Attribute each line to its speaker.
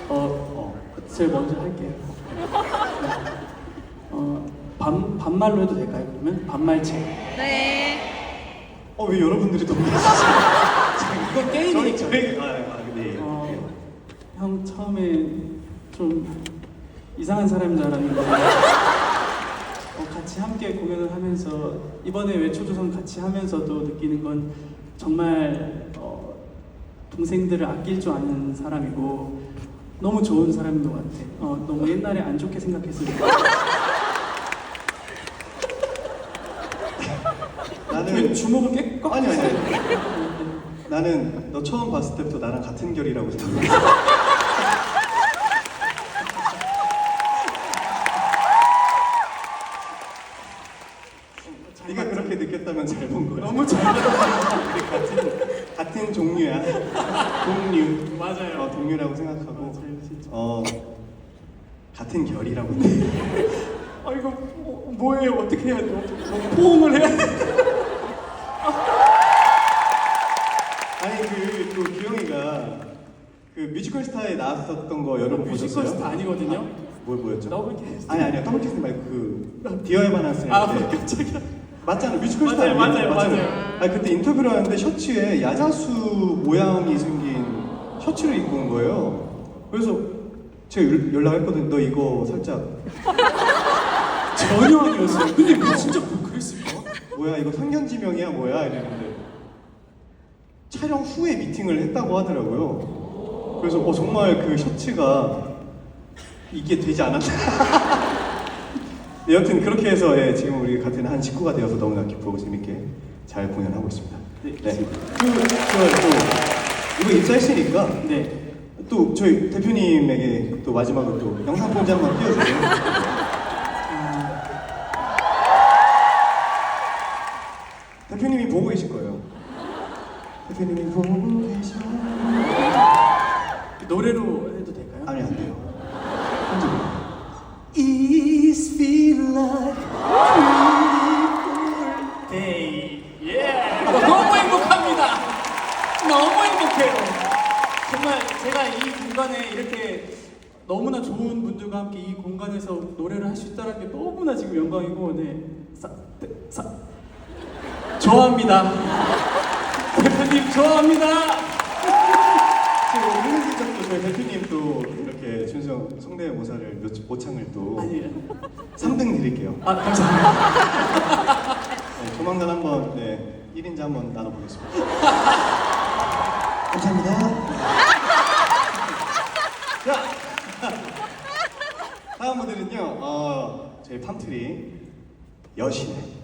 Speaker 1: 제일 먼저 할게요. 반말로 해도 될까요? 그러면 반말체.
Speaker 2: 네.
Speaker 3: 왜 여러분들이 동의하시죠?
Speaker 1: 이건 게임이니까.
Speaker 3: 네.
Speaker 1: 형 처음에 좀 이상한 사람인 줄 알았는데 같이 함께 공연을 하면서 이번에 외초조선 같이 하면서도 느끼는 건 정말 동생들을 아낄 줄 아는 사람이고 너무 좋은 사람인 것 같아. 너무 옛날에 안 좋게 생각했을 때.
Speaker 3: 나는
Speaker 1: 주먹을 깨?
Speaker 3: 아니. 나는 너 처음 봤을 때부터 나랑 같은 결이라고 생각했어. 네가 그렇게 느꼈다면 잘 본 거야.
Speaker 1: 너무 잘 봤어.
Speaker 3: 우리 같은 종류야. 동류.
Speaker 1: 맞아요.
Speaker 3: 동류라고 생각하고.
Speaker 1: 맞아요, 진짜.
Speaker 3: 같은 결이라고 해.
Speaker 1: 이거 뭐예요? 어떻게 해야 돼요? 포옹을 해야 돼?
Speaker 3: 아니 그 규영이가 그 뮤지컬 스타에 나왔었던 거 여러분 보셨어요?
Speaker 1: 뮤지컬 스타 아니거든요?
Speaker 3: 뭐였죠?
Speaker 1: 더블캐스트.
Speaker 3: 아니 더블캐스트 말고 그 디어의 바나스.
Speaker 1: 깜짝이야.
Speaker 3: 맞잖아, 뮤지컬 스타.
Speaker 1: 맞아요.
Speaker 3: 아니 그때 인터뷰를 하는데 셔츠에 야자수 모양이 생긴 셔츠를 입고 온 거예요. 그래서 제가 연락했거든요. 너 이거 살짝
Speaker 1: 전혀 아니었어요. 근데 뭐 진짜 그랬을까?
Speaker 3: 뭐야 이거 상견지명이야 뭐야 이랬는데 촬영 후에 미팅을 했다고 하더라고요. 그래서 정말 그 셔츠가 이게 되지 않았나. 네, 여튼 그렇게 해서 지금 우리 같은 한 식구가 되어서 너무나 기쁘고 재밌게 잘 공연하고 있습니다. 네. 이거 입사했으니까
Speaker 1: 네.
Speaker 3: 또 저희 대표님에게 또 마지막으로 또 영상 편지 한번 띄워주세요. 대표님이 보고 계실 거예요. 대표님이 보고 계셔.
Speaker 1: 노래로 해도 될까요?
Speaker 3: 아니 안 돼요.
Speaker 1: Is feel like day. 예. 너무 행복합니다. 너무 행복해요. 정말 제가 이 공간에 이렇게 너무나 좋은 분들과 함께 이 공간에서 노래를 할 수 있다는 게 너무나 지금 영광이고, 좋아합니다. 대표님 좋아합니다.
Speaker 3: 지금 오늘 시작도 저희 대표님 또 이렇게 준성 성대모사를 모창을 또
Speaker 1: 아니에요.
Speaker 3: 3등 드릴게요.
Speaker 1: 감사합니다.
Speaker 3: 네, 조만간 한번 1인자 한번 나눠보겠습니다. 감사합니다. 자, 다음 무대는요. 저희 팜트리 여신의